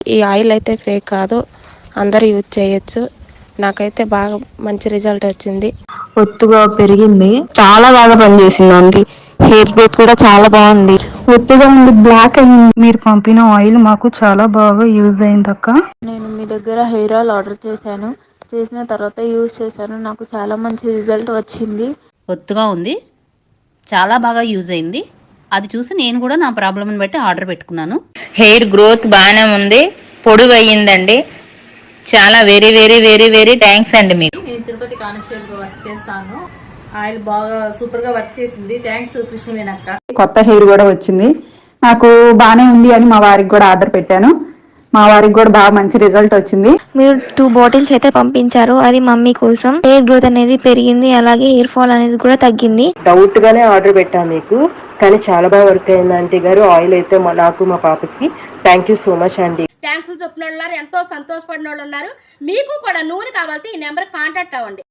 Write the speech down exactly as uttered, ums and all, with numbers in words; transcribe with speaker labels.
Speaker 1: ఈ ఆయిల్ అయితే ఫేక్ కాదు, అందరూ యూజ్ చేయొచ్చు. నాకైతే బాగా మంచి రిజల్ట్ వచ్చింది.
Speaker 2: ఒత్తుగా పెరిగింది, చాలా బాగా పనిచేసింది అండి. హెయిర్ గ్రోత్ కూడా చాలా బాగుంది. ఒత్తుగా ఉంది, బ్లాక్ అయింది. మీరు పంపిన ఆయిల్ మాకు చాలా బాగా యూజ్ అయింది అక్క.
Speaker 3: నేను మీ దగ్గర హెయిర్ ఆయిల్ ఆర్డర్ చేశాను. చేసిన తర్వాత యూజ్ చేశాను. నాకు చాలా మంచి రిజల్ట్ వచ్చింది.
Speaker 4: ఒత్తుగా ఉంది, చాలా బాగా యూజ్ అయింది. అది చూసి నేను కూడా నా ప్రాబ్లమ్ని బట్టి ఆర్డర్ పెట్టుకున్నాను.
Speaker 5: హెయిర్ గ్రోత్ బాగానే ఉంది, పొడుగు అయ్యిందండి. చాలా very very very very thanks అండి మీకు.
Speaker 6: నేను తిరుపతి కానిస్టేబుల్ వర్క్ చేస్తాను. ఆయిల్ బాగా సూపర్ గా వర్క్ చేసింది. థ్యాంక్స్ కృష్ణవేణక్క.
Speaker 7: కొత్త హెయిర్ కూడా వచ్చింది, నాకు బాగానే ఉంది అని మా వారికి కూడా ఆర్డర్ పెట్టాను. మా వారికి కూడా బాగా మంచి రిజల్ట్ వచ్చింది.
Speaker 8: మీరు టూ బాటిల్స్ అయితే పంపించారు, అది మమ్మీ కోసం. హెయిర్ గ్రోత్ అనేది పెరిగింది, అలాగే హెయిర్ ఫాల్ అనేది కూడా తగ్గింది.
Speaker 9: డౌట్ గానే ఆర్డర్ పెట్టాను మీకు, కానీ చాలా బాగా వర్క్ అయింది ఆంటీ గారు. ఆయిల్ అయితే నాకు మా పాపకి థ్యాంక్ యూ సో మచ్ అండి.
Speaker 10: థ్యాంక్స్ చెప్పిన వాళ్ళు ఉన్నారు, ఎంతో సంతోషపడిన వాళ్ళు ఉన్నారు. మీకు కూడా నూనె కావాలంటే ఈ నెంబర్ కాంటాక్ట్ అవ్వండి.